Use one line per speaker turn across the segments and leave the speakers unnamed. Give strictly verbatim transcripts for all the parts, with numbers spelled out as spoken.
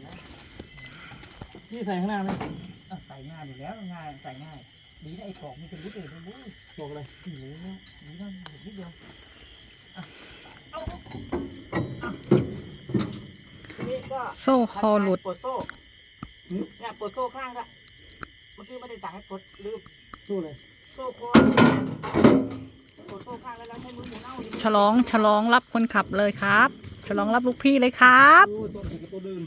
พี่ใส่ข้างหน้าไหม
ใส่ง่ายอยู่แล้วง่ายใส่ง่ายดีนะไอ้ของมันเป็นลิตรเองนะบุ๊ย
บอกเลย
หรือเนี่ยดีนะนิดเดียวเอานี่ก็
โซ่คอหลุด
ปลดโซ่เนี่ยปลดโซ่ข้างละเมื่อกี้ไม่ได้สั่งให้ปลดลืม
สู้เลย
โซ่คอปลดโซ่ข้างแล้วแล้วให้มือหมุนเอา
ฉลองฉลองรับคนขับเลยครับ ฉลองรับลูกพี่เลยครับ
โอ้ตัวถึงกับตัวดื่ม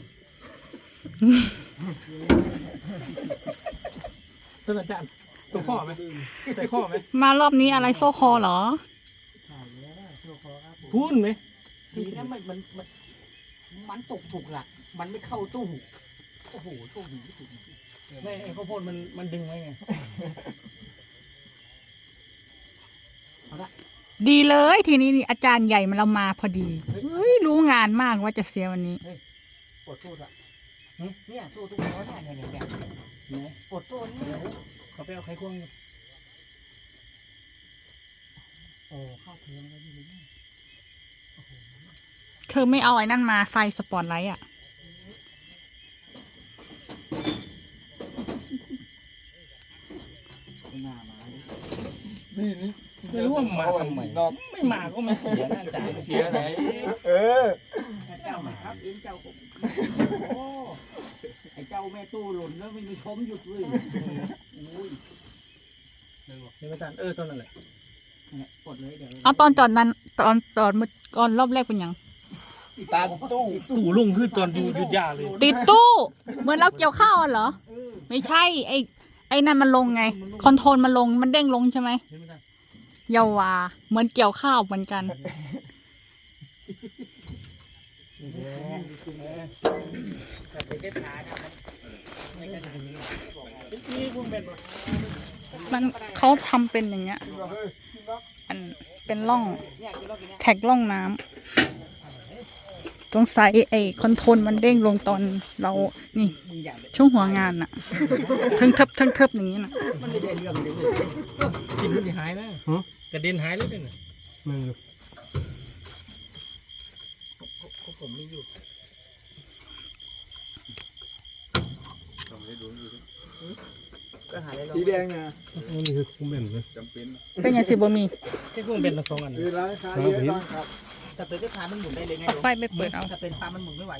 ต้นอาจารย์ตัวข้อไหมแต่ข้อไหม
มารอบนี้อะไรโซ่คอเหรอ
ใช่แล้วโซ่คอครับผม
พูนไหม
ดีนะมันมันมันมันตกถูกหลักมันไม่เข้าตู้โอ้โหโชคดีที่สุด
ไม่ไอ้ข้าวโพดมันมันดึงไว้ไง
ดีเลยทีนี้นี่อาจารย์ใหญ่มาเรามาพอดีเฮ้ยรู้งานมากว่าจะเสียวันนี้
ปลดโซ่ละเนี่ยโซ่ตู้ล้อเนี่ยเนี่ยเนี่ย
ไหน
ปลดโซ่นี่
เขาไปเอาไขควง
โอ้เข้าเทียมแล้วดีเลย
เธอไม่เอาไอ้นั่นมาไฟสปอตไลท์อ่ะ
หน้ามา
นี่นี่
ไม่รู้ว่ามาทำไม
นอก
ไม่มาก็ไม่เสียนะอาจารย์
เสียไหนเออ
เจ้ามาครับเอ็นเจ้าผมโอ้ไอ้เจ้าแม่ตู้หล่นแล้วไม่มีชมหยุดเลยอุ้ย
เดี๋ยวอาจารย์เออต้นนั่นแหละ
เนี่ยปลดเลยเดี๋ยว
เอาตอนจอดนั้นตอนตอนก่อนรอบแรกเป็นยัง
ตาตู้
ตู่ลุงคือตอนอยู่หยุดยาเลย
ติดตู้เหมือนเราเกี่ยวข้าวอะเหรอ ไม่ใช่ไอ้ไอ้นั่นมันลงไง คอนโทรลมันลงมันเด้งลงใช่ไหม
เห็นไหมอาจารย์
เยาวาเหมือนเกี่ยวข้าวเหมือนกัน
แต่ไปได้ขานะไม่ได้ทำนี้
นี่คุณเป็นปะ
มันเขาทำเป็นอย่างเงี้ยอันเป็นร่อง
เนี่ยกินรอบกินเนี่ย
แท็กร่องน้ำสงสัยไอ้คอนโทรลมันเด้งลงตอนเรานี่
มึงอย่า
ช่วงหัวงานน่ะเทิงเทิบเทิงเทิบอย่างนี้น่ะ
มันไม่ได้เรื่องเลย
กินมันจะหายนะกระเด็นหายเลยเนี่ยมึง
ผมมีอยู่ ก็หาได้ล
สีแดงนะ
นี่คือคุ้มเป็นเลย
จำเป็น
เป็นไงสิบ่มี
แค่คุ้มเป็นละสองอัน
คือร้านค้าเยอะบ้างครับ
แต่เป็นได้ขามันหมุนได้เลยไง
เอาไฟไปเปิดเอา
ถ้าเป็นปลามันหมุนไม่ไหว